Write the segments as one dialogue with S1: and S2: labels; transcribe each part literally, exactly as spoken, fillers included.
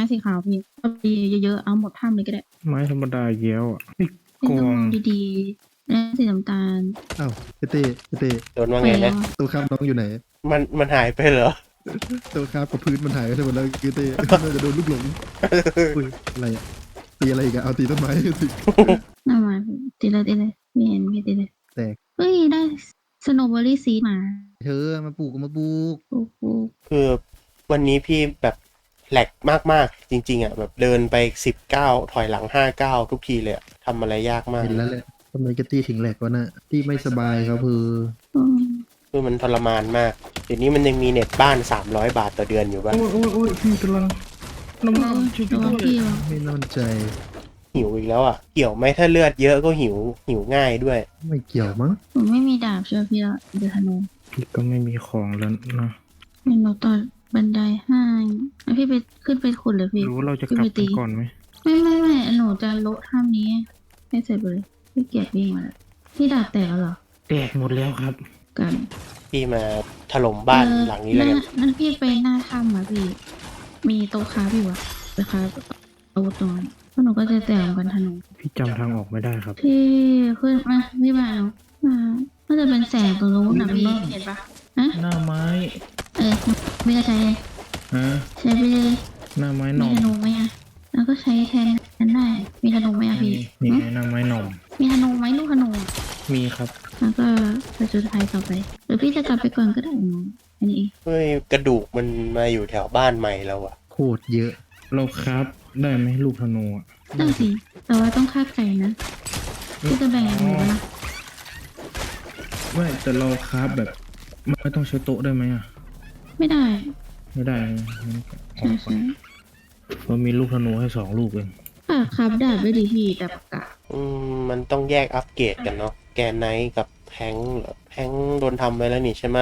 S1: สีขาวพี่เอาดีเยอะๆเอาหมดถ้ำเลยก็ได้
S2: ไม้ธรรมดาเยอะอ่ะพี่
S1: ไม่
S2: ก
S1: ต้อง
S2: อง
S1: มองดีๆแล้วสีน้ำตาล
S3: อ้าวเต้เต้เต้
S4: โดนว่า
S1: ไป
S4: ไง
S1: แล้
S4: นะ
S1: ว
S3: ตัวข้ามน้องอยู่ไหน
S4: มันมันหายไปเหรอ
S3: ตัวข้ามกับพื้นมันหายไปทั้งหมดแล้วคือเต้ น่าจะโดนลูกหลงอุ้ยอะไรอะตีอะไรอีกอะเอาตีต้นไม้สิ
S1: น่ามาตีเลยตีเลยไม่เห็นไม่ตีเลย
S3: แตก
S1: เฮ้ยได้สโนว์เบอรี่ซีมา
S3: เธอมาปลูกมาปลูก
S1: โอ้โห
S4: คือวันนี้พี่แบบแหลกมากๆจริงๆอ่ะแบบเดินไปสิบเก้าถอยหลังห้าเก้าทุกทีเลยอะทำอะไรยากมาก
S3: เห็นแล้วแหละทำไมกระตี้ถึงแหลกวะน่ะที่ไม่สบายครับคือ
S1: อืม
S4: คือมันทรมานมากเดี๋ยวนี้มันยังมีเน็ตบ้านสามร้อยบาทต่อเดือนอยู่ป่ะ
S2: โอ้ยโอ้ยโอ้ยพี่กำลังน้ำ
S1: เอ
S2: มัน
S1: อ
S2: ช่วย
S1: ระวัง
S2: ด้ว
S1: พี่
S2: ย
S1: วะ
S3: ไม่น่าใจ
S4: หิวอีกแล้วอ่ะเกี่ยวไหมถ้าเลือดเยอะก็หิวหิวง่ายด้วย
S3: ไม่เกี่ยวมั้ง
S1: ผมไม่มีดาบเชื่อพี่ละเดือธนู
S2: พี่ก็ไม่มีของแล้วนะ
S1: เห็นหนูต่อบันไดให้แล้วพี่ไปขึ้นไปขุดเลยพี่
S2: รู้ว่าเราจะ
S1: พี่
S2: กลับ
S1: ไปตี
S2: กันก่อนไหม
S1: ไม่ไม่ไม่หนูจะโละถ้ำนี้ให้เสร็จไปเลยพี่เกียจวิ่งมาแล้วพี่ดาบแตกแล้วเหรอ
S2: แตกหมดแล้วครับ
S1: กัน
S4: พี่มาถล่มบ้าน
S1: เออ
S4: หลังนี้แล้วกัน
S1: านั่นพี่ไปหน้าถ้ำอ่ะพี่ มีโต๊ะค้าพี่วะไปค้าอาวุธตรงนั้นเพราะหนูก็จะแต่งกันธนู
S2: พี่จำทางออกไม่ได้ครับ
S1: พี่ขึ้นมาพี่มาเอามาน่าจะเป็นแสงตรงนู้นนะพี่เห็นปะฮะ
S2: หน้าไม้
S1: เออไม่ก็ใช้เลย
S2: ฮะ
S1: ใช้ไปเลย
S2: หน้าไม้ห
S1: มี
S2: น่อม
S1: ธนูไหมอ่ะแล้วก็ใช้แทนนั้นได้ มีธนูไหมอ่ะพี่
S2: นี่
S1: หึ
S2: ไงหน้าไม้หน่อม
S1: มีธนูไหมลูกธนูอะ
S2: มีครับ
S1: แล้วก็ไปจุดไฟต่อไปหรือพี่จะกลับไปก่อนก็ได้หนูอันนี้เอง
S4: เฮ้ยกระดูกมันมาอยู่แถวบ้านใหม่แล้วอ่ะ
S3: โคตรเยอะ
S2: เราครับได้ไหมลูกธนูอ่ะ
S1: ได้สิแต่ว่าต้องฆ่าไก่นะพี่จะแบ่งยังไงวะ
S2: ไม่แต่เราครับแบบไม่ต้องใช้โต๊ะได้ไหมอ่ะ
S1: ไม่ได้
S2: ไม่ได้นะงั้นก็อ
S1: ใช่
S2: อกก่อน
S1: ใช่
S2: เรามีลูกธนูให้สองลูกเอง
S1: อ่ะครับดาบด้วยดีพี่ดาบปากกา
S4: อืมมันต้องแยกอัปเกรดกันเนาะแกนไนท์กับแพงเหรอแพงโดนทำไปแล้วนี่ใช่ไหม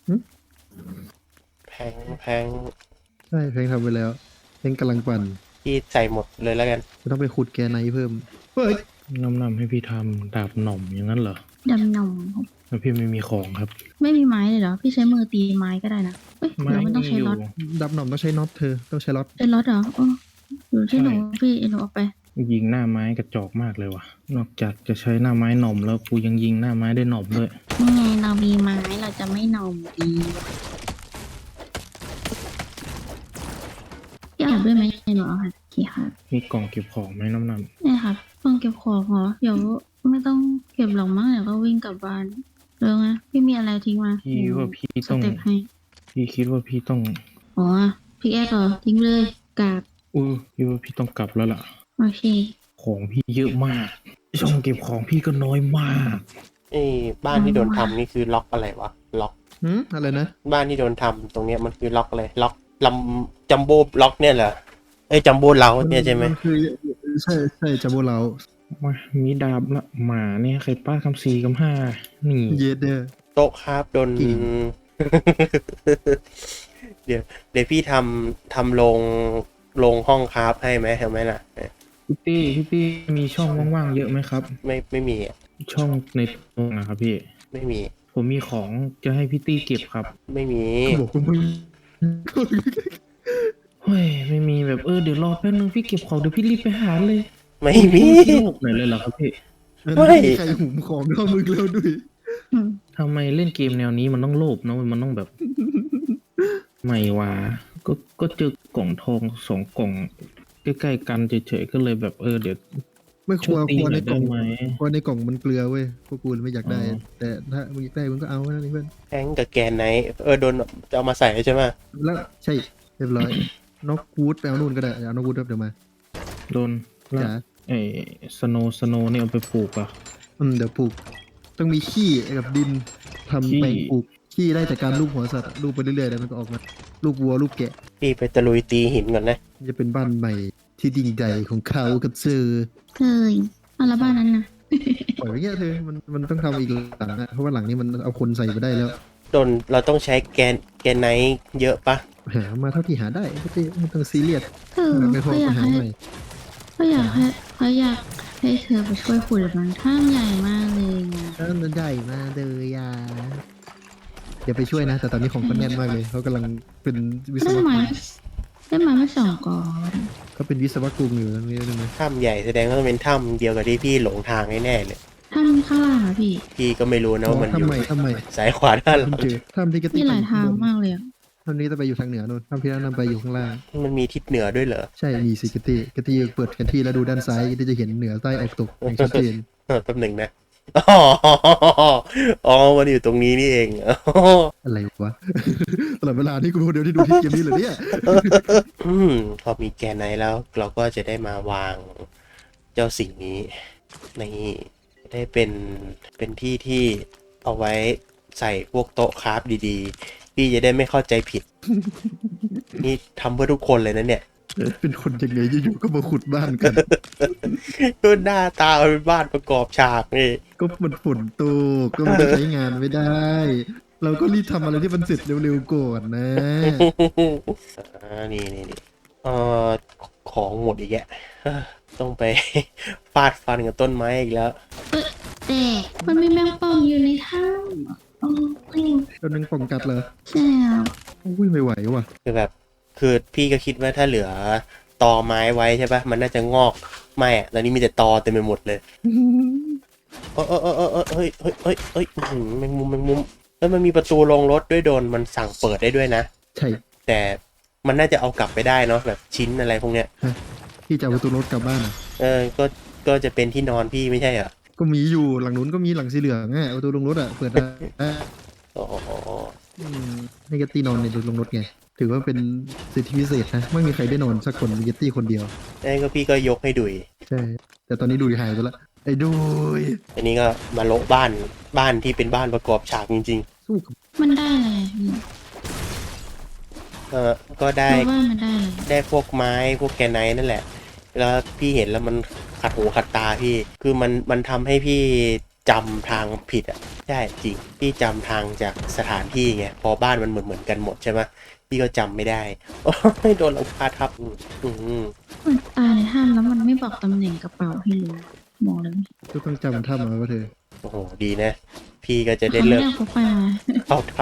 S4: แพงแพง
S3: ใช่เพลงทำไปแล้วเพลงกำลังปั่น
S4: พี่ใส่หมดเลยแล้วกัน
S3: จะต้องไปขุดแกไนเพิ่มเฮ้ย
S2: น้ำนำให้พี่ทำดาบหน่อมอย่างนั้นเหรอ
S1: ดำหนอง
S2: แล้วพี่ไม่มีของครับ
S1: ไม่มีไม้เลยเหรอ พี่ใช้มือตีไม้ก็ได้นะเอ้ยหรือมันต้องใช้ล็อต
S3: ดับหน่อมต้องใช้น็อตเธอต้องใช้ล็อต
S1: เป็นล็อตเหรอโอ้อยู่ที่หนูพี่หนูออกไป
S2: ยิงหน้าไม้กระจอกมากเลยว่ะ นอกจากจะใช้หน้าไม้หน่อมแล้วกูยังยิงหน้าไม้ได้หน่อมด้วย
S1: นี่ไงเรามีไม้เราจะไม่หนอมดีพี่อาบด้วยไหมหนูเอาค่ะกี่ค่ะ
S2: มีกล่องเก็บของไหมน้ำน
S1: เนี่ยครับต้องเก็บของเหรอเดี๋ยวไม่ต้องเก็บหรอกมั้งเดี๋ยวก็วิ่งกลับบ้านเร็วนะพี่มีอะไรทิ้งมา
S2: ำพี่ว่าพี่
S1: ส
S2: ต้อง
S1: เต็ปให้
S2: พี่คิดว่าพี่ต้อง
S1: อ๋อพี่แอ๊กเหรอทิ้งเลยกาบ
S2: อู้พี่ว่าพี่ต้องกลับแล้วล่ะ
S1: โอเค
S2: ของพี่เยอะมาก ช่องเก็บของพี่ก็น้อยมาก
S4: ไอ้บ้านที่โดนทำนี่คือล็อกอะไรวะล็อก
S3: หืมอะไรนะ
S4: บ้านที่โดนทำตรงเนี้ยมันคือล็อกอะไรล็อกลำจัมโบ้ล็อกเนี่ยเหรอไอ้จัมโบ้เล้าเนี่ยใช่ไหม
S3: นคือใช่ใช่จัมโบ้เรา
S2: มามีดาบละหมาเนี่ยใครป้าคำสี่คำห้านี่
S3: เยสเดอร์
S4: โต๊ะครับโดน
S3: จริง
S4: เดี๋ยวเดี๋ยวพี่ทำทำโรงโรงห้องคราฟให้ไหมเห็นไหมล่ะ
S2: พี่ตี้พี่ตี้มีช่องว่างๆเยอะไหมครับ
S4: ไม่ไม่มีอะ
S2: ช่องในตรงนะครับพี่
S4: ไม่มี
S2: ผมมีของจะให้พี่ตี้เก็บครับ
S4: ไม่มี
S3: บอกคุณมึง
S2: เฮ้ยไม่มีแบบเออเดี๋ยวรอแป๊บนึงพี่เก็บของเดี๋ยวพี่รีบไปหาเลย
S4: ไม่มี
S2: พี่โลกหน่อยเลยเหรอครับพี่
S4: ไม่
S3: ใครหุมของเข้ามึงแล้วด้วย
S1: อืม
S2: ทำไมเล่นเกมแนวนี้มันต้องโลภเนอะมันต้องแบบ ไม่วะก็ก็เจอกล่องทองสองกล่องใกล้ๆกันเฉยๆก็เลยแบบเออเดี๋ยว
S3: ไม่ค
S2: ช่
S3: ว
S2: วย
S3: ร
S2: ตี
S3: ควร
S2: ห
S3: ใน
S2: น่อย
S3: กล่
S2: ได้
S3: อง
S2: ไหม
S3: ควรในกล่องมันเกลือเว้ยพวกกูไม่อยากได้
S2: อ๋อ
S3: แต่ถ้ามึงอยากได้มึงก็เอาแค่นั้นเองเพื่อน
S4: แทงกับแกนไนท์เออโดนจะเอามาใส่ใช่ไหม
S3: แล้วใช่เรียบร้อยนกวูดไปเอานู่นก็ได้เอานกวูดเดี๋ยวมา
S2: โดนแล้ว
S3: จ๋า
S2: ไอ้สโนสโนนี่เอาไปปลูกอ่ะ
S3: อืมเดี๋ยวปลูกต้องมีขี้กับดินทำ
S2: ขี้
S3: แปลงปลูกขี้ได้จากการลูบหัวสัตว์ลูบไปเรื่อยๆแล้วมันก็ออกมาลูบวัวลูบแกะ
S4: พี่ไปตะลุยตีหินก่อนนะ
S3: จะเป็นบ้านใหม่ที่ดิ่งใหญ่ของเขากับเซอร์
S1: เคยเอาละบ้านนั้นนะ
S3: ปล่อยไว้เงี้ยเธอมันมันต้องทำอีกหลังอะเพราะว่าหลังนี้มันเอาคนใส่ไปได้แล้ว
S4: โดนเราต้องใช้แกนแกนไนท์เยอะปะ
S3: หามาเท่าที่หาได้ไม่ต้องไม่ต้องซีเรียส
S1: เออ
S3: ไม่พอ
S1: เขาอยา
S3: ก็
S1: ก
S3: หา
S1: ให้
S3: ใหม่
S1: เขาอยากให้เขาอยากให้เธอไปช่วยขุดมันท่ามใหญ่มากเลยนะ
S3: นั่นมันใหญ่มากเลยยาอย่าไปช่วยนะ แต่ตอนนี้ของเขาแน่นมากเลยเขากำลังเป็นวิศ
S1: ได้
S3: ว
S1: ไม้
S3: กร
S1: ได้ไม้มาสองกอง
S3: ก็เป็นวิศวกรุงอยู่ตรงนี้ใช่ไหม
S4: ถ้ำใหญ่แสดงว่าต้องเป็นถ้ำเดียวกับที่พี่หลงทางแน่ๆเลย
S1: ถ้ำข้างล่างอะพี่
S4: พี่ก็ไม่รู้นะว่ามันอยู่
S3: ทำไมทำไม
S4: ซ้ายขวาด้านหลัง
S3: เจอถ้ำที่กระ
S1: มี
S3: ติก
S1: หลายทางมากเลยอะ
S3: ถ้ำนี้จะไปอยู่ทางเหนือนู่นถ้ำที่นั่นไปอยู่ข้างล่าง
S4: มันมีทิศเหนือด้วยเหรอ
S3: ใช่มีสิกระติกระติเปิดแผนที่แล้วดูด้านซ้ายก็จะเห็นเหนือใต้ออกตกอย่างชัดเจน
S4: เออแป๊บหนึ่งนะอ๋ออ๋อมันอยู่ตรงนี้นี่เองอ๋อ
S3: อะไรวะ ตลอดเวลาที่กูเป็นคนเดียวที่ดูที่เกมนี้เหรอเนี่ย
S4: อืมพอมีแกนไนท์แล้ว เราก็จะได้มาวางเจ้าสิ่งนี้ในได้เป็นเป็นที่ที่เอาไว้ใส่พวกโต๊ะคราฟดีๆ พี่จะได้ไม่เข้าใจผิด นี่ทำเพื่อทุกคนเลยนะเนี่ย
S3: เป็นคนยังไงอยู่ๆก็มาขุดบ้านกัน
S4: ก็หน้าตาเป็นบ้านประกอบฉากนี่
S3: ก็มันฝนตกก็มันใช้งานไม่ได้ เราก็รีบทำอะไรที่มันเสร็จเร็วๆก่อนนะ
S4: อ่านี่นี่นี่เอ่อของหมดอีกแยะเอ้อต้องไป ฟาดฟันกับต้นไม้อีกแล้ว
S1: แต่มันมีแมงป่องอยู่ในถ้ำโอ้ย
S3: ก็นึงป่องกัดเหรอ
S1: ใช่แล้ว
S3: อุ้ยไม่ไหวว่ะ
S4: คือแบบคือพี่ก็คิดว่าถ้าเหลือตอไม้ไว้ใช่ปะมันน่าจะงอกไม่อะตอนนี้มีแต่ตอเต็มไปหมดเลยเออเออเออเออเออเฮ้ยเฮ้ยเฮ้ยเฮ้ยอื้อหือแมงมุมแมงมุมแล้วมันมีประตูลงรถด้วยโดนมันสั่งเปิดได้ด้วยนะ
S3: ใช่
S4: แต่มันน่าจะเอากลับไปได้เนาะแบบชิ้นอะไรพวกเนี้ย
S3: พี่จะเอาประตูรถกลับบ้านอ่ะ
S4: เออก็ก็จะเป็นที่นอนพี่ไม่ใช่เหรอ
S3: ก็มีอยู่หลังนู้นก็มีหลังสีเหลืองอ่ะเอาประตูลงรถอ่ะเปิดได้
S4: อ๋อ
S3: อืมให้กตตี้นอนในลงรถไงถือว่าเป็นสิทธิพิเศษนะไม่มีใครได้นอนสักคนมีกตตี้คนเดียว
S4: นั่นก็พี่ก็ยกให้ดุย
S3: ใช่แต่ตอนนี้ดูหายไปละไอ้ดูย
S4: อันนี้ก็มาโละบ้านบ้านที่เป็นบ้านประกอบฉากจริง
S3: สู้กับ
S1: มันได้อะไรอะพี่
S4: ๆ เออก็ได้
S1: เราว่ามันได้อะไร
S4: ได้พวกไม้พวกแกรไนท์นั่นแหละ แล้วพี่เห็นแล้วมันขัดหูขัดตาพี่ คือมันมันทำให้พี่จำทางผิดอ่ะใช่จริง พี่จำทางจากสถานที่ไง พอบ้านมันเหมือนเหมือนกันหมดใช่ไหมพี่ก็จำไม่ได้ โอ้ยโดนหลังคาทับอืมอืม
S1: มันตายในถ้ำแล้วมันไม่บอกตำแหน่งกระเป๋าให้รู้บอกเลย
S3: ก็ต้องจำท่ามาว่าเธอ
S4: โอ้โห ดีนะ พี่ก็จะได้
S1: เขาไม่
S4: เลิก
S1: ได้พกไปมา
S4: เข้าถ้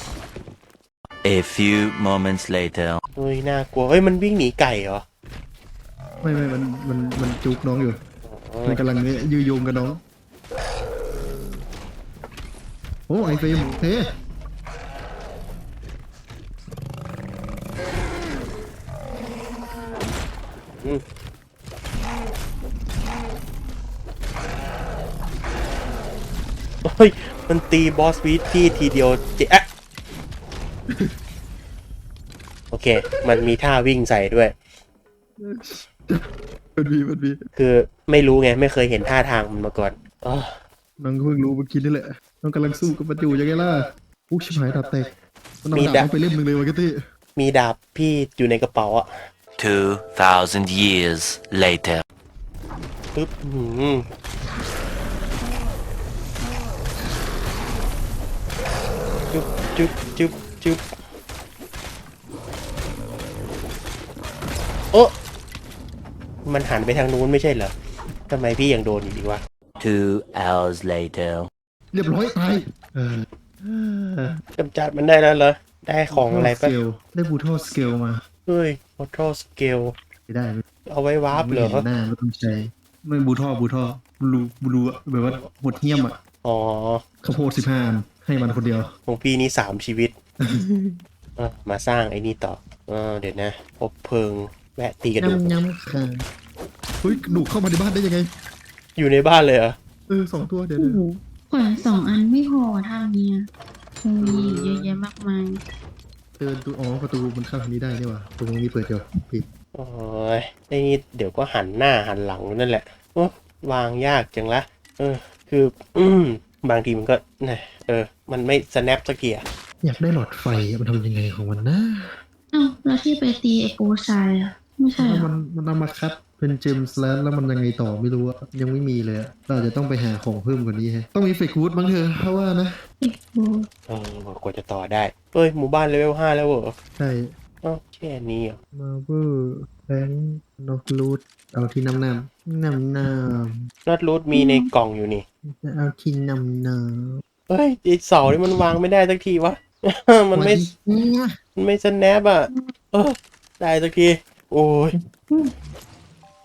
S5: A few moments later.
S4: ำเฮ้ยน่ากลัว เฮ้ยมันวิ่งหนีไก่เหรอ
S3: ไม่ไม่มันมันมันจุกน้องอยู่
S4: อ๋อ
S3: มันกำลังเนี่ยยื้อโยงกับน้องโอ้ไอเฟรมเฮ้
S4: อืมเฮ้ยมันตีบอสวีทพี่ทีเดียวเจ๊ะ โอเค มันมีท่าวิ่งใส่ด้วย
S3: มันมีมันมี
S4: คือไม่รู้ไง ไม่เคยเห็นท่าทางมันมาก่อนอ๋อ
S3: น้องเพิ่งรู้เมื่อกี้นี่แหละน้องกำลังสู้กับมันอยู่ยังไงล่ะอุ๊ยชิบหายดาบแตกมันเอาดาบน้องไปเล่มหนึ่งเลยวะกตตี้
S4: มีดาบพี่อยู่ในกระเป๋าอะ
S5: Two thousand years later.
S4: ปึ๊บอื้อหือจุ๊บจุ๊บจุ๊บจุ๊บโอ้มันหันไปทางนู้นไม่ใช่เหรอทำไมพี่ยังโดนอยู่ดีวะ
S5: Two hours later.
S3: เรียบร้อยตายเออก
S4: ำจัดมันได้แล้วเหรอ ได้ของอะไร
S3: ส
S4: ปะ
S3: เกลได้บูทอสเกลมา
S4: เฮ้ย Portal Scale
S3: ไม่ได้ไม่
S4: เอาไว้วาร์ปเหรอ
S3: ไม่ห็นหน้าไม่ต้องใช้ไม่บูทอบูทอบลูบลูอะแบบว่าหดเหี้ยมอ่ะ
S4: อ๋อ
S3: ข้าวโพดสิบห้าอันให้มันคนเดียว
S4: ของพี่นี่สามชีวิต อ่ะมาสร้างไอ้นี่ต่อเออเดี๋ยวนะพบเพลิงแวะตีกระดูก
S3: ยำยำค่ะเฮ้ยกระดูกเข้ามาในบ้านได้ยังไง
S4: อยู่ในบ้านเลยเหรอ
S3: เออสองตัวเดี๋ยว
S1: โอ้
S3: เดี๋ยว
S1: โหขวานสองอันไม่พอทางเนี้ยคงมีอยู่เยอะแยะมากมาย
S3: เดินตัวอ๋อประตูมันเข้าทางนี้ได้นี่หว่าตรงนี้เปิดอยู่ปิด
S4: โอ้ยไอ้นี่เดี๋ยวก็หันหน้าหันหลังนั่นแหละโอ้วางยากจังละเออ คือ อืมบางทีมันก็นะเออ มันไม่ snap สักทีอะ
S3: อยากได้หลอดไฟอะมันทำยังไงของมันนะ
S1: เอ้าแล้วที่ไปตีไอโปชายอะไม่ใช่เหร
S3: แล้ว
S1: อ
S3: มันมันเอามาคัดเป็นเจมส์แล้วแล้วมันยังไงต่อไม่รู้อะยังไม่มีเลยอะเราอาจจะต้องไปหาของเพิ่มกว่านี้ฮะต้องมีเฟกวูดบ้างเถอะเพราะว่านะ
S1: ไอโป
S4: เออกว่าจะต่อได้เอ้ย หมู่บ้านเลเวลห้าแล้วเหรอ
S3: ใช่
S4: อ้าวแค่นี้เหรอ
S3: มาเวอร์แบงค์นกรูดเอาที่น้ำน้ำน้ำน้
S4: น็อตรูทมีในกล่องอยู่นี่
S3: ำเอาที่น้ำน้
S4: เฮ้ยไอเสานี่มันวางไม่ได้สักทีวะ
S3: ำ
S4: มันไม่
S3: เนี่ย
S4: มันไม่ snap อ่ะ เออได้สักที โอ้ย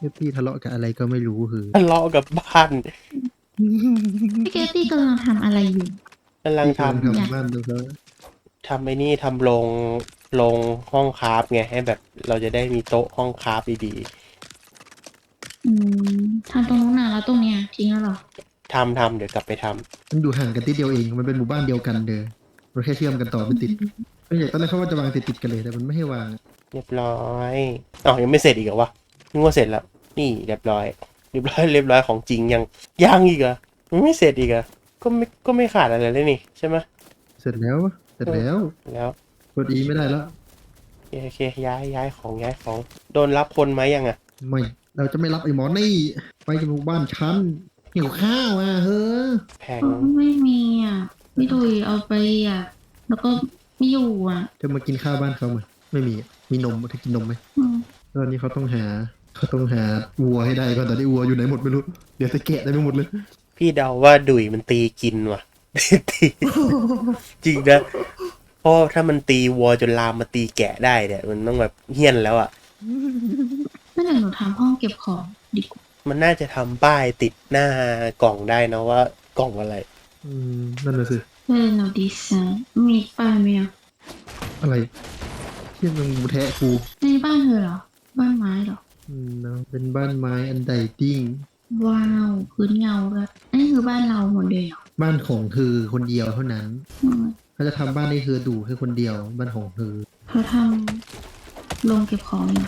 S3: พี่ทะเลาะกับอะไรก็ไม่รู้คือ
S4: ทะเลาะกับบ้าน
S1: พี่เกตตี้กำลังทำอะไรอยู่
S4: กำลัง
S3: พี่กำลัง
S4: ทำ
S3: ทำบ้านดูเขา
S4: ทำไอ้นี่ทำโรงโรงห้องคราฟไงให้แบบเราจะได้มีโต๊ะห้องคราฟดี
S1: อืมทำตรงนู้นน่ะแล้วตรงเนี้ยทิ้งแล้วเหรอ
S4: ๆทำทำเดี๋ยวกลับไปทำ
S3: มันอยู่ห่างกันติดเดียวเองมันเป็นหมู่บ้านเดียวกันเด้อเราแค่เชื่อมกันต่อไม่ติดไม่ใช่ตอนแรกเขาว่าจะวางติดติดๆกันเลยแต่มันไม่ให้วาง
S4: เรียบร้อยอ๋อยังไม่เสร็จอีกเหรอวะนึกว่าเสร็จแล้ว นี่เรียบร้อย เรียบร้อย เรียบร้อยของจริงยังยังอีกเหรอมันไม่เสร็จอีกเหรอก็ไม่ก็ไม่ขาดอะไรเลยนี่ใช่ไหม
S3: เสร็จแล้วเสร็จแล้ว
S4: แล้ว
S3: กดอีไม่ได้แล้ว
S4: โอเคโอเคย้ายย้ายของย้ายของโดนรับคนไหมยังอ่ะ
S3: ไม่เราจะไม่รับไอ้หมอนี่ไปจากหมู่บ้านฉันหิวข้าวอ่ะเฮ้อ
S4: แพง
S1: อ๋อไม่มีอ่ะพี่ดุยเอาไปอ่ะ แล้วก็ไม่อยู่อ่ะ
S3: จะมากินข้าวบ้านเขาไหมไม่มีอะมีนมเธอกินนมไหม
S1: อืม
S3: ตอนนี้เขาต้องหาเขาต้องหาวัวให้ได้ก่อนตอนนี้วัวอยู่ไหนหมดไม่รู้เดี๋ยวจะแกะได้ไม่หมดเลย
S4: พี่เดาว่าดุยมันตีกินว่ะ ตีจริงนะเพราะถ้ามันตีวัวจนลามมาตีแกะได้เนี่ยมันต้องแบบเฮี้ยนแล้วอ่ะ
S1: ไม่เดี๋ยวหนูทำห้องเก็บของดีกว่า
S4: มันน่าจะทำป้ายติดหน้ากล่องได้นะว่ากล่องอะไร
S3: อืมนั่นน่ะสิ
S1: เพื่อนเราดีไซน์มีป้ายไหมอ่ะ
S3: อะไรเที่ยมันมูแทะกู
S1: ในบ้านเธอเหรอ บ้านไม้เหรอ
S3: อืมเนอะเป็นบ้านไม้อันใดติ้ง
S1: ว้าวพื้นเงาเลยอันนี้คือบ้านเราหมดเลยเหรอ
S3: บ้านของเธอคนเดียวเท่านั้น
S1: อืม
S3: เขาจะทำบ้านให้เธอดูแค่คนเดียว บ้านของเธอ
S1: เขาทำโรงเก็บของอยู่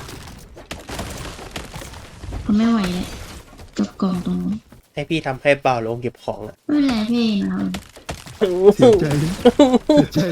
S1: เขาไม่ไหวเลยกับกล่องตรงนู้น
S4: ให้พี่ทำให้เปล่าลงเก็บของอ่ะ
S1: ไม่เป็นไรพี่นะ
S3: เสียใจเสียใจ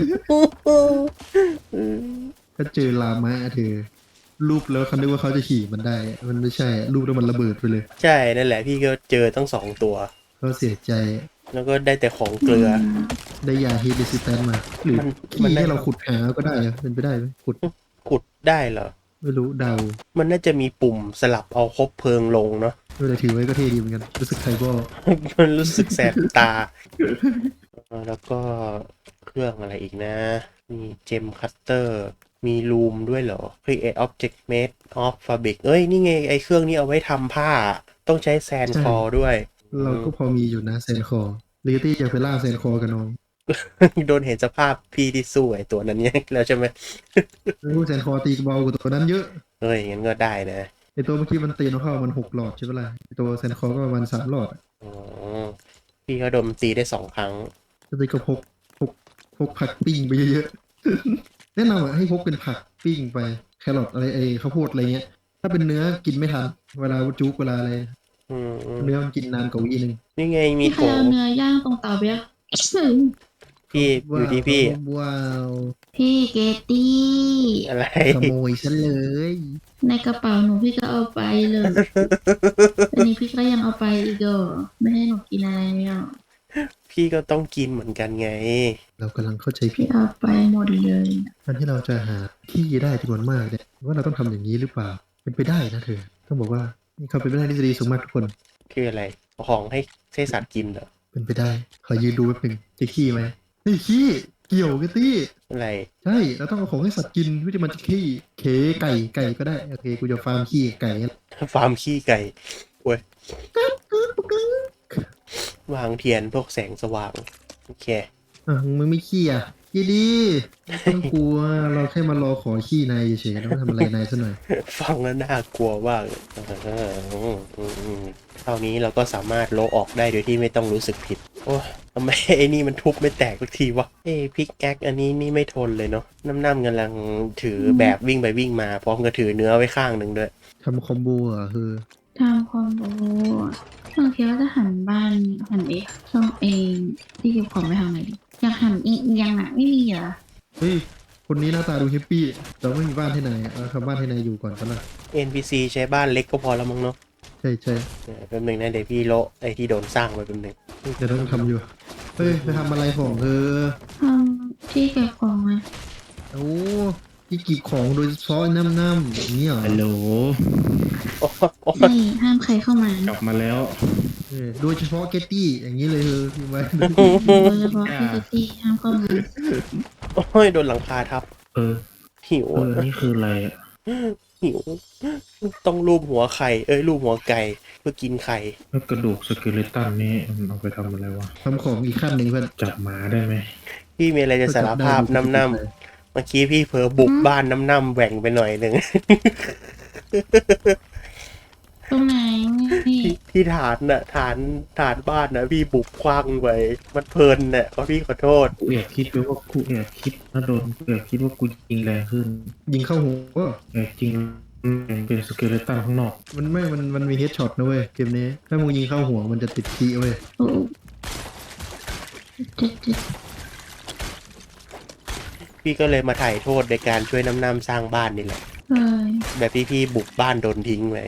S3: ถ้าเจอลามะเธอรูปแล้วเขาคิดว่าเขาจะขี่มันได้ มันไม่ใช่รูปแล้วมันระเบิดไปเลย
S4: ใช่นั่นแหละพี่ก็เจอตั้งสองตัว
S3: เขาเสียใจ
S4: แล้วก็ได้แต่ของเกลือ
S3: ได้ยาฮีดิซิแตนมา หรือ
S4: มัน
S3: ขี้
S4: มันได้
S3: ให้เราขุดหาก็ได้อะเป็นไปได้ไหมขุด
S4: ขุดได้เหรอ
S3: ไม่รู้เดา
S4: มันน่าจะมีปุ่มสลับเอาคบเพลิงลงเนาะ
S3: เวลาถือไว้ก็เท่ดีเหมือนกัน รู้สึกไทบอล
S4: มันรู้สึกแสบตาเออแล้วก็เครื่องอะไรอีกนะ มีเจมคัตเตอร์ มีลูมด้วยเหรอ Create Object Made of Fabric เอ้ย นี่ไงไอเครื่องนี้เอาไว้ทำผ้า ต้องใช้แซนคอด้วย
S3: เราก็พอมีอยู่นะแซนคอลิกตี้จะไปล่าแซนคอกับน้อง
S4: โดนเห็นสภาพพี่ที่สู้ไอตัวนั้นเนี่ยแล้วใช่ไหม
S3: รู้แซนคอตีเบากว่าตัวนั้นเยอะ
S4: เอ้ยงั้นก็ได้นะ
S3: ไอตัวเมื่อกี้มันตีนเข้ามันหกหลอดใช่ปะล่ะไอตัวแซนคอก็ประมาณสามหลอดอะ
S4: อ๋อ พี่เขาโดนตีได้สองครั้ง
S3: จะตีก็พกพกพกผักปิ้งไปเยอะๆ แนะนำอ่ะให้พกเป็นผักปิ้งไปแครอทอะไรไอข้าวโพดอะไรเงี้ย ถ้าเป็นเนื้อกินไม่ทันเวลาจุกเวลาอะไร
S4: อืม
S3: เนื้อมันกินนานกว่าวีนึง
S4: นี่ไงมี
S1: พี่ใค
S4: โถ
S1: รเอาเนื้อย่างตรงเตาไปอ่ะ
S4: พี่อยู่ที่พี่
S3: ว้าว
S1: พี่เกตตี้
S4: อะไร
S3: ขโมยฉันเลย
S1: ในกระเป๋าหนูพี่ก็เอาไปเลยอันนี้พี่ก็ยังเอาไปอีกเหรอไม่ให้หนูกินอะไรเลยอ่ะ
S4: พี่ก็ต้องกินเหมือนกันไง
S3: เรากำลังเข้าใจผิ
S1: พี่
S3: ด
S1: เอาไปหมดเลย
S3: การที่เราจะหาที่ได้จำนวนมากเนี่ยว่าเราต้องทำอย่างนี้หรือเปล่า เป็นไปได้นะเธอ ต้องบอกว่านี่เขาเป็นไปได้ทฤษฎีสูงมากทุกคน
S4: คืออะไรเอาของให้ให้สัตว์กินเหรอ
S3: เป็นไปได้ ขอยืนดูแป๊บหนึงจะขี้ไหมเฮ้ยขี้เกี่ยวกันตี้
S4: อะไร
S3: ใช่เราต้องเอาของให้สัตว์กินเพื่อที่มันจะขี้เคไก่ไก่ก็ได้โอเคกูจะฟาร์มขี้ไก่
S4: ฟาร์มขี้ไก่โว้ย วางเทียนพวกแสงสว่าง โอเค
S3: อ่ะมึงไม่ขี้อ่ะขี้ดีไม่ต้องกลัวเราแค่มารอขอขี้นายเฉยๆเราไม่ทำอะไรนายซะหน่อย
S4: ฟังแล้วน่ากลัวมากเลยอ่าอืมอืมอืมเท่านี้เราก็สามารถโละออกได้โดยที่ไม่ต้องรู้สึกผิด โอ้ยทำไมไอ้นี่มันทุบไม่แตกสักทีวะเอ้พิกแอคอันนี้นี่ไม่ทนเลยเนาะน้ำน้ำกำลังถือแบบวิ่งไปวิ่งมาพร้อมกับถือเนื้อไว้ข้างหนึ่งด้วย
S3: ทำคอมโบอ่ะคือ
S1: ทำคอมโบบางทีก็จะหันบ้านหันเองช่องเองที่เก็บของไปทางไหนดีอยากหันอีกยังอ่ะไม่มีเหรอ
S3: เฮ้ยคนนี้หน้าตาดูแฮปปี้แต่ไม่มีบ้านที่ไหนอ่ะเอาทำบ้านที่ไหนอยู่ก่อนก็ละ
S4: เอ็น พี ซี ใช้บ้านเล็กก็พอแล้วมั้งเนาะ
S3: ใช่ใช่
S4: เดี๋ยวแป๊บหนึงนะเดี๋ยวพี่โละไอ้ที่โดนสร้างไว้แป๊บหนึง
S3: เดี๋ยวต้องทำอยู่เฮ้ยไปทำอะไรของเธอ
S1: ทำที่เก็บของไง
S3: โอ้ที่กีบของโดยเฉพาะน้ำน้ำๆอย่างนี้เหรอ
S2: ฮัลโหล
S4: โอ้โอ้
S1: ใช่ห้ามใครเข้ามาก
S2: ลับมาแล้ว
S3: เออโดยเฉพาะเกตตี้อย่างนี้เลยเธอพิมพ์ไว้
S1: โดยเฉพาะพี่เกตตี้ห้ามเข้ามา
S4: โอ้ยโดนหลังคาทับ
S2: เออ
S4: หิว
S2: เออ
S4: อะ
S2: นี่คืออะไรอะ
S4: หิว ต้องลูบหัวไข่ เอ้ยลูบหัวไก่เพื่อกินไข่
S2: แล้วกระดูกสเกเลตันนี่มันเอาไปทำอะไรวะ
S3: ทำของอีกขั้นหนึ่งเพื่อน
S2: จับหมาได้ไหม
S4: พี่มีอะไรจะสารภาพน้ำน้ำเมื่อกี้พี่เผลอบุกบ้านน้ำน้ำแหว่งไปหน่อยหนึ่ง
S1: ตรงไหนนี่
S4: ที่ที่ฐานน่ะฐานฐานบ้านนะพี่บุกคว้างไปมันเพลินน่ะขอพี่ขอโทษ
S2: กูแอบคิดไปว่ากูแอบคิดนะโดนกูแอบคิดว่ากูยิงแรงขึ้น
S3: ยิงเข้าหัว
S2: แอบจริงมันเป็นสเกเลตันข้างนอก
S3: มันไม่ มัน มันมีเฮดช็อตนะเว้ย เกมนี้ ถ้ามึงยิงเข้าหัวมันจะติดคีเว้ย
S1: โอ้จุดจุด
S4: พี่ก็เลยมาถ่ายโทษในการช่วยน้ำน้ำสร้างบ้านนี่แหละ
S1: เฮ้ย
S4: แบบที่พี่บุกบ้านโดนทิ้งไป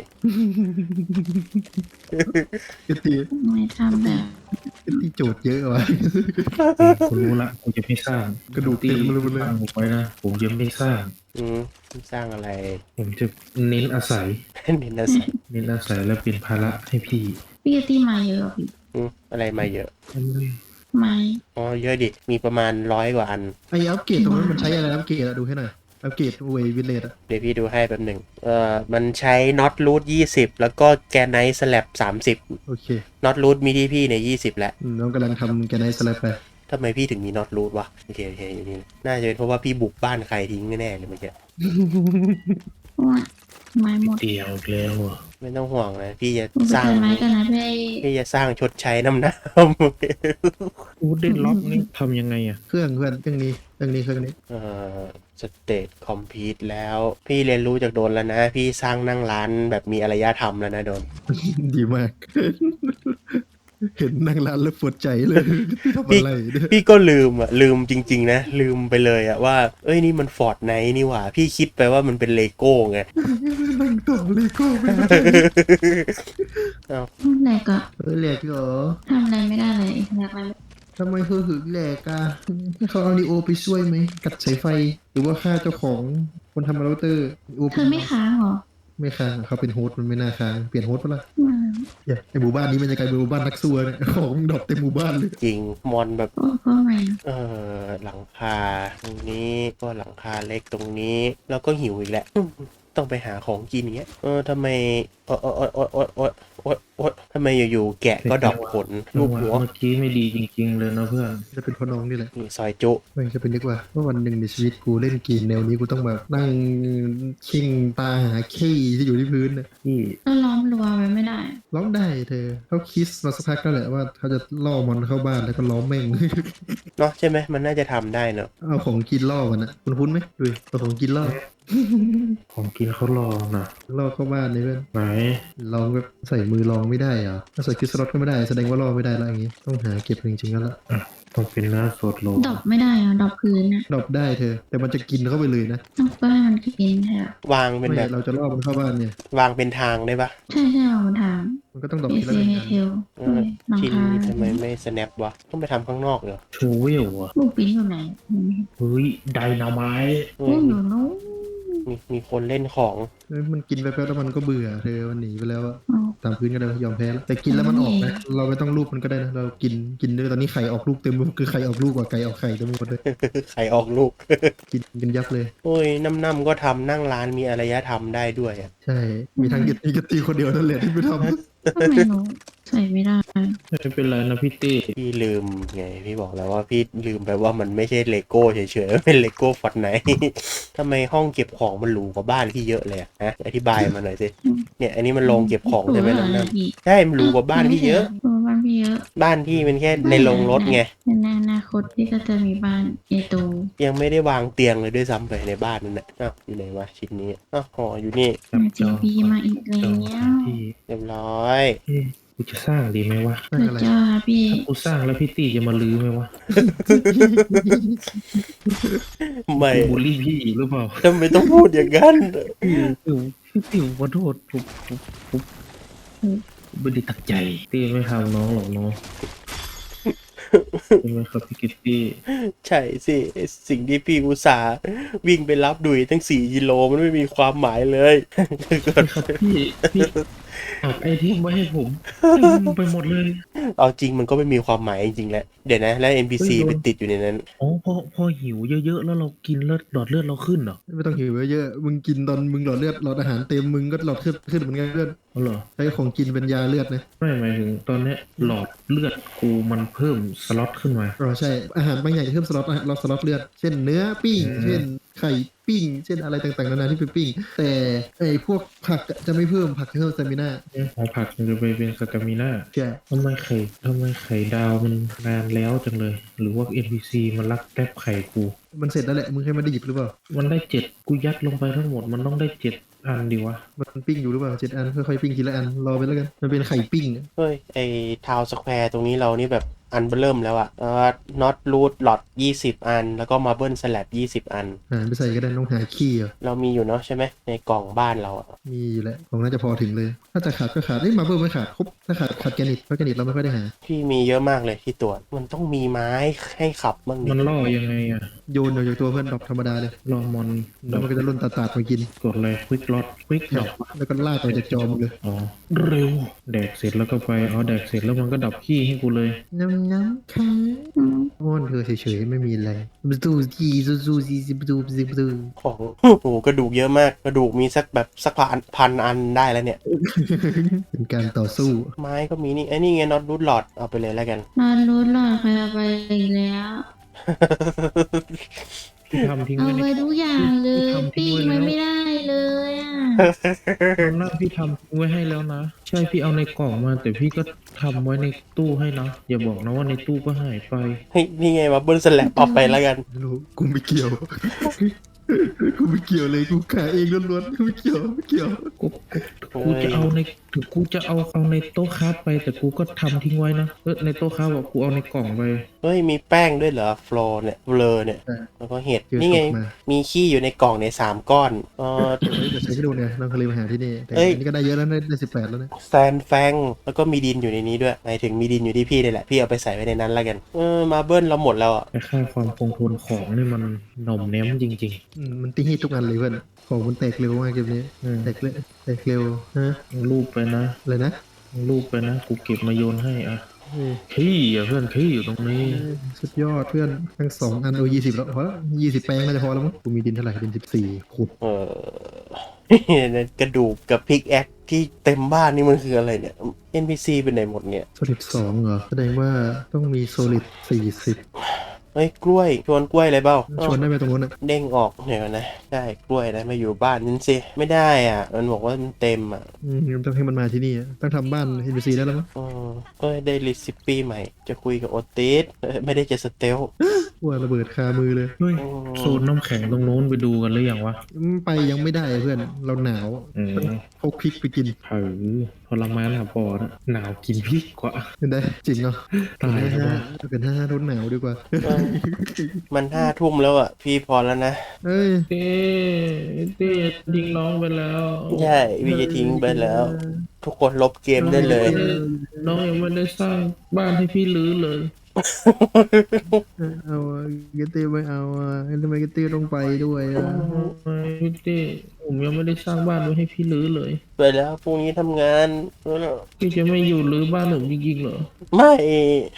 S3: เอตี
S1: ไม่ทำแบบ
S3: เอตีโจทย์เยอะว่ะ
S2: กูรู้ละกูจะไม่สร้าง
S3: กระดูกเต็มเลยหมดเลย
S2: สร้างผมไว้นะผมจะไม่สร้าง
S4: อืมสร้างอะไร
S2: ผมจะเน้นอาศัย
S4: เน้นอาศัย
S2: เน้นอาศัยแล้วเป็นภาระให้พี่
S1: พี่กตี้มาเยอะพี่
S4: อืมอะไรมาเยอะ
S1: ไม้
S4: อ๋อเยอะดิมีประมาณร้อยกว่าอัน
S3: ไอ้อัปเกรดตรงนั้นมันใช้อะไรอัปเกรดอะดูให้หน่อย อัปเกรดเววิลเลตอะ
S4: เดี๋ยวพี่ดูให้แป๊บหนึ่งเอ่อมันใช้น็อตรูทยี่สิบแล้วก็แกนไนท์สแลบสามสิบ
S3: โอเค
S4: น็อตรูทมีที่พี่ในยี่สิบแล้ว
S3: อืมน้องกำลังทำแกนไนสแลปไป
S4: ทำไมพี่ถึงมีน็อตรูทวะโอเคโอเคอยู่นี่น่าจะเป็นเพราะว่าพี่บุกบ้านใครทิ้งแน่ๆเลยเมื่อกี้
S1: ว่าไม้หมด
S2: เดียวอีกแล้วอ่ะ
S4: ไม่ต้องห่วงนะพี่จะ
S1: ผมไป
S4: สร้าง
S1: เจอไม้กันนะพี่
S4: พี่จะสร้างชดใช้น้ำน้
S2: อูเดนล็อกนี่ทำยังไงอ่ะ
S3: เครื่องเพื่อนเครื่องนี้เครื่องนี้เครื่องนี้
S4: ำเอ่อสเตตคอมพิวต์แล้ว พี่เรียนรู้จากโดนแล้วนะ พี่สร้างนั่งร้านแบบมีอารยธรรมแล้วนะโดน
S3: ดีมาก เห็นนั่งร้านแล้วปวดใจเลยทำอะไรเนี่ย
S4: พี่ก็ลืมอ่ะลืมจริงๆนะ ลืมไปเลยอ่ะว่า เอ้ยนี่มันฟอร์ดไนท์นี่หว่า พี่คิดไปว่ามันเป็นเลโก้ไง
S3: นั่งต่อเลยก็ไม่ได้
S4: เอ้า
S1: แหลกอะ
S3: เออแหลกเหรอ
S1: ทำอะไรไม่ได้เลยแหลกอะไร
S3: ทำไมเธอถึงแหลกอะให้เขาเอาลีโอไปช่วยไหมกัดสายไฟ หรือว่าฆ่าเจ้าของคนทำเราเตอร์ลีโอ
S1: เธอไม่ค้างเหรอ
S3: ไม่ค้างอะเขาเป็นโฮสต์มันไม่น่าค้างเปลี่ยนโฮสต์ปะล่ะ
S1: อืม
S3: อย่าไอหมู่บ้านนี้มันจะกลายเป็นหมู่บ้านนักซัวเนี่ยของดรอปเต็มหมู่บ้านเลย
S4: จริงมอนแบบ
S1: โอ้ก็ไม่
S4: เออหลังคาตรงนี้ก็หลังคาเล็กตรงนี้ แล้วก็หิวอีกแหละ ต้องไปหาของกินอย่างเงี้ยเออทำไมโอ๊ยโอ๊ยโอ๊ยโอ๊ยโอ๊ยโอ๊ยโอ๊ยทำไมอยู่ๆแกะก็ดอกผลรูปหัว
S2: เมื่อกี้ไม่ดีจริงๆเลยนะเพื่อน
S3: จะเป็นพ่อน้องนี่แหละ
S4: นี่ซอยจุ
S3: ไม่จะเป็นนึกว่าว่าวันหนึ่งในชีวิตกูเล่นเกมแนวนี้กูต้องแบบนั่งชิงตาหาขี้ที่อยู่ที่พื้นน่ะ
S2: พี่
S1: ก็ล้อมรั้วไว้ไม่ได้
S3: ร้องได้เธอเขาคิดมาสักพักแล้วแหละว่าเขาจะล่อมันเข้าบ้านแล้วก็ล้อมแม่ง
S4: เนาะใช่ไหมมันน่าจะทำได้เนาะ
S3: เอาของกินล่อมันนะคุณคุ้นไหมดูดิเอาของกินล่อ
S2: ของกินเขารอนะ
S3: ล่อเข้าบ้านเลยเพื่อน
S2: ไหน
S3: ลองแบบใส่มือลองไม่ได้เหรอถ้าใส่คริสตัลก็ไม่ได้แสดงว่าล่อไม่ได้แล้วอย่างงี้ต้องหาเก็บจริงๆแล้วล่ะ
S2: อ่ะต้องเป็นเนื้อสดโล
S1: ดอกไม่ได้อะดอกพื้นอะ
S3: ดรอปได้เธอ แต่มันจะกินเข้าไปเลยนะ
S1: ต้องก็ให้มันกินแทน
S4: วางเป็น
S3: ไม่
S4: แบบ
S3: เราจะล่อมันเข้าบ้านเนี่ย
S4: วางเป็นทางได้ปะ
S1: ใช่ใช่เอามาถาม
S3: มันก็ต้องดรอป
S1: เอ
S3: ทีละ
S1: ซี
S3: หนึ่ง
S1: เฮ
S3: อัน
S1: เทล
S4: เออ
S1: หลัง
S4: ชิ้น
S1: คา
S4: นี้ทำไมไม่ snap วะต้องไปทำข้างนอกเหรอ
S2: ชูเวลอ่ะ
S1: ลูกปิ้นอยู่ไหนอืม
S2: เฮ้ยไดนาไมต์
S4: อื
S1: โอ้
S4: ม
S1: หนูนู้น
S4: มีมีคนเล่นของ
S3: เอ้ยมันกินไปแป๊บแล้วมันก็เบื่อเธอมันหนีไปแล้วอะ
S1: เอา
S3: ตามพื้นก็ได้ยอมแพ้แล้วแต่กินแล้วมันออกนะเราไม่ต้องรูปมันก็ได้นะเรากินกินด้วยตอนนี้ไข่ออกลูกเต็มไปหมดคือไข่ออกลูกกว่าไก่ออกไข่เต็มไปหมดเลย
S4: ใครออกลูก
S3: กินกันยับเลย
S4: โอ้ยน้ำๆก็ทำนั่งร้านมีอารยธรรมได้ด้วยอ่ะ
S3: ใช่ มีทางกินมีกตีคนเดียวนั่นแหละที่ไม่ทำ
S1: ทำไมหนูใส่ไม่ได้
S2: ไม่เป็นไรนะพี่เต้
S4: พี่ลืมไงพี่บอกแล้วว่าพี่ลืมไปว่ามันไม่ใช่เลโก้เฉยๆมันเป็นเลโก้ฟอร์ดไนท์ ทำไมห้องเก็บของมันหรูกว่าบ้านพี่เยอะเลยอะฮะอธิบายมาหน่อยสิเนี่ยอันนี้มันโรงเก็บของใช่ไหม
S1: หนูเหรอ
S4: น้ำ
S1: พี่
S4: ๆใช่มันหรูกว่าบ้านพี่เยอะ
S1: เออบ้านพี่เยอะ
S4: บ้านพี่มันแค่ในโรงรถไง
S1: ในอนาคตพี่ก็จะมีบ้านใหญ่โต
S4: ยังไม่ได้วางเตียงเลยด้วยซ้ำไปในบ้านนั่นแหละอ้าวอยู่ไหนวะชิ้นนี้อ้าวห่ออยู่นี่
S2: จับจ
S1: จี
S2: อง
S1: บีมาอีกแล้
S2: จอง
S1: ว
S2: ที่
S4: เรียบร้อย
S2: เอ๊ะกูจะสร้างดีไหมวะ
S3: นั่น
S1: พระ
S3: อะไร
S1: เจ้าพี่
S2: ถ้ากูสร้างแล้วพี่ตี้จะมาลื้อไหมวะ
S4: ไม่
S2: กูบูลลี่พี่หรือเปล่า
S4: ทำไมต้องพูดอย่างนั้น
S2: พี่ติ๋วพี่ติ๋วขอโทษผมผมผมผมไม่ได้ตั้งใจตี้ไม่ทำน้องหรอกน้องใช่ไหมครับพี่กิตตี้
S4: ใช่สิไอ้สิ่งที่พี่อุตส่าห์วิ่งไปรับดุยตั้งสี่กิโลมันไม่มีความหมายเลย
S2: ครับพี่พี่ฝากไอเทมไว้ให้ผมให้ผมไปหมดเลย
S4: เอาจริงมันก็ไม่มีความหมายจริงๆแหละเดี๋ยวนะแล้ว เอ็น พี ซี
S2: เฮ้ยโดน
S4: ไปติดอยู่ในนั้น
S2: อ๋อพอพอหิวเยอะๆแล้วเรากินเลือดหลอดเลือดเราขึ้นเหรอ
S3: ไม่ต้องหิวเยอะๆมึงกินตอนมึงหลอดเลือดหลอดอาหารเต็มมึงก็หลอดขึ้นขึ้นเหมือนกันเลือด
S2: อ๋อเหรอ
S3: ใช้ของกินเป็นยาเลือดนะ
S2: ไม่หมายถึงตอนเนี้ยหลอดเลือดกูมันเพิ่มสล็อตขึ้นมา
S3: อ๋อใช่อาหารบางอย่างจะเพิ่มสล็อตเราสล็อตเลือดเช่นเนื้อปิ้ง
S2: อืม
S3: เช่นไข่ปิ้ง เช่นอะไรต่างๆนานาที่เป็นปิ้ง แต่ไอ้พวกผักอะจะไม่เพิ่มผักจะเพิ่มสเตมิน่า
S2: หอผักมันจะไปเป็นสตามิน่า
S3: ใช่
S2: ทำไมไข่ทำไมไข่ดาวมันนานแล้วจังเลย หรือว่า เอ็น พี ซี มันลักแทบไข่กู
S3: มันเสร็จแล้วแหละมึงแค่ไม่ได้หยิบหรือเปล่า
S2: มันได้เจ็ดกูยัดลงไปทั้งหมดมันต้องได้เจ็ดอันดีวะ
S3: มันปิ้งอยู่หรือเปล่าเจ็ดอันค่อยๆปิ้งทีละอันรอไปแล้วกันมันเป็นไข่ปิ้งอะ
S4: เฮ้ยไอทาวสแควร์ตรงนี้เรานี่แบบอันเบิ่มแล้วอะเอ่อน็อตรูทหลอดยี่สิบอัน แล้วก็มาเบิลสแลบยี่สิบอัน
S3: หาไปใส่ก็ได้ต้องหาขี้เหรอ
S4: เรามีอยู่เนาะใช่ไหมในกล่องบ้านเราอะ
S3: มีอยู่แล้วของน่าจะพอถึงเลย ถ้าจะขาดก็ขาดเอ้ยมาเบิลไม่ขาดครบถ้าขาดขาดแกนิตเพราะแกนิตเราไม่ค่อยได้หา
S4: พี่มีเยอะมากเลยที่ตรวจมันต้องมีไม้ให้ขับบ้างดิ
S2: มันล่อยังไงอะ
S3: โยนออกจากตัวเพื่อนดอกธรรมดาเลย
S2: ล่อมอน
S3: แล้วมันก็จะล่นตาตาดๆมากิน
S2: กดเลยควิกล็อตควิกดอก
S3: แล้วก็ลากออกจากจอมึงเลย
S2: อ๋อเร็วแดกเสร็จแล้วก็ไปอ๋อแดกเสร็จแล้วมันก็ดับขี้ให้กูเลย
S3: น้ำน้ำค่ะ
S1: อืม
S3: อ้อนเธอเฉยๆไม่มีอะไรประตูจีซูซูซีซีประตูซีประตู
S4: ของโอ้โหกระดูกเยอะมากกระดูกมีสักแบบสักพันพันอันได้แล้วเนี่ย
S3: เป็นการต่อสู้
S4: ไม้ก็มีนี่ไอ้นี่ไงน็อตรูทหลอดเอาไปเลยแล้วกัน
S1: นอนรู้หลอดใครเอาไปอีกแล้ว
S2: พี่ทำทิ้ง
S1: เอา
S2: ไว้ใน
S1: ไปทุกอย่างเลย
S2: ทำทิ้
S1: ปิ้
S2: ง
S1: ง
S2: ไว้
S1: มัน
S2: แล้ว
S1: ไม่ได้เลยอ่ะ
S2: ตอนนั้นพี่ทำทิ้งไว้ให้แล้วนะ ใช่พี่เอาในกล่องมา แต่พี่ก็ทำไว้ในตู้ให้นะ อย่าบอกนะว่าในตู้ก็หายไป
S4: เฮ้ยนี่ไงมาเบิลสแลบเอาไปแล้วกัน
S3: ไม่รู้กูไม่เกี่ยว กูไม่เกี่ยวเลยกูขายเองล้วนๆกูไม่เกี่ยวไม่เกี่ยว
S2: กูกูกูจะเอาในถึงกูจะเอาเอาในโต๊ะค้าไป แต่กูก็ทำทิ้งไว้นะเออในโต๊ะค้าบอกกูเอาในกล่องไป
S4: เฮ้ยมีแป้งด้วยเหรอฟลอร์เนี่ยเบลอเนี่ย
S3: ใช่
S4: แล้วก็เห็ด
S3: เจอ
S4: นี่ไง
S3: ตกมา
S4: มีขี้อยู่ในกล่องในยสามก้อนเออ
S3: เฮ้ยจะใช้ที่ดูเนี่ยน้องเคยมาหาที่นี่แต่
S4: เอ้ย
S3: อันนี้ก็ได้เยอะแล้วได้ได้สิบแปดแล้วนะ
S4: แซนแฟงแล้วก็มีดินอยู่ในนี้ด้วยหมายถึงมีดินอยู่ที่พี่เลยแหละพี่เอาไปใส่ไว้ในนั้นแล้วกันเออมาเบิลเราหมดแล้วอ่ะ
S2: แต่ค่าความคงทนของนี่มันหน่อมแนมจริง
S3: อืมมันตีฮีททุกอันเลยเพื่อนของมันแตกเร็วมากเกมนี้
S2: ๆอืม
S3: แตกเร็วแตกเร็วฮะ
S2: รูปไปนะ
S3: อะไรนะ
S2: รูปไปนะ กูเก็บมาโยนให้อ่ะ
S3: เฮ้ย
S2: ขี้อ่ะเพื่อนขี้อยู่ตรงนี้
S3: สุดยอดเพื่อนทั้งสองอันโอ้ยี่สิบแล้วพอแล้วยี่สิบแปลงน่าจะพอแล้วมั้งกูมีดินเท่าไหร่ดินสิบสี่ขุด
S4: เออ กระดูกกับพิกแอคที่เต็มบ้านนี่มันคืออะไรเนี่ย เอ็น พี ซี เป็นไหนหมดเนี่ย
S3: โซลิดสองเหรอแสดงว่าต้องมีโซลิดสี่สิบ
S4: เฮ้ยกล้วยชวนกล้วยเลยเปล่า
S3: ชวนได้ไหมตรงนู้นอ่ะ
S4: เด้งออกเดี๋ยวนะได้กล้วยนะมาอยู่บ้านนั่นสิไม่ได้อ่ะ มันบอกว่ามันเต็มอ่ะ
S3: อืมต้องให้มันมาที่นี่อะต้องทำบ้านเอ็นบีซีได้แล้วมั้ง
S4: เออเอ้ยได้ลิซิปปี้ใหม่ จะคุยกับโอติสเอ้ยไม่ได้จะสเตล
S3: ว่าระเบิดคามือเลย
S2: เฮ้ยโซนน้ำแข็งตรงโน้นไปดูกันหรือยังวะ
S3: อืมไปยังไม่ได้เพื่อนเราหนาว
S2: อืม
S3: พกพริกไปกิน
S2: เออทรมานหาปอนะหนาวกินพริกกว่า
S3: ได้จริงเหรอ
S2: ตาย
S3: เป็น
S2: แล้ว
S3: ห้า
S2: ว่ะ
S3: เป็นห้าทนหนาวดีกว่า
S4: มันห้าทุ่มแล้วอ่ะ พี่พอแล้วนะ
S3: เอ้ย
S2: เต้เต้ทิ้งน้องไปแล้ว
S4: ใช่พี่จะทิ้งไปแล้ว ทุกคนลบเกมได้เลย
S2: น้องยังไม่ได้สร้างบ้านให้พี่รื้อเลย
S3: เอาอะเกตตี้ไม่เอาอ่ะทำไมเกตตี้ต้องไปด้วยอ่ะ
S2: พี่เต้ผมยังไม่ได้สร้างบ้านไว้ให้พี่รื้อเลย
S4: ไปแล้วพรุ่งนี้ทำงาน
S2: พี่จะไม่อยู่รื้อบ้านผมจริงๆเหรอ
S4: ไม่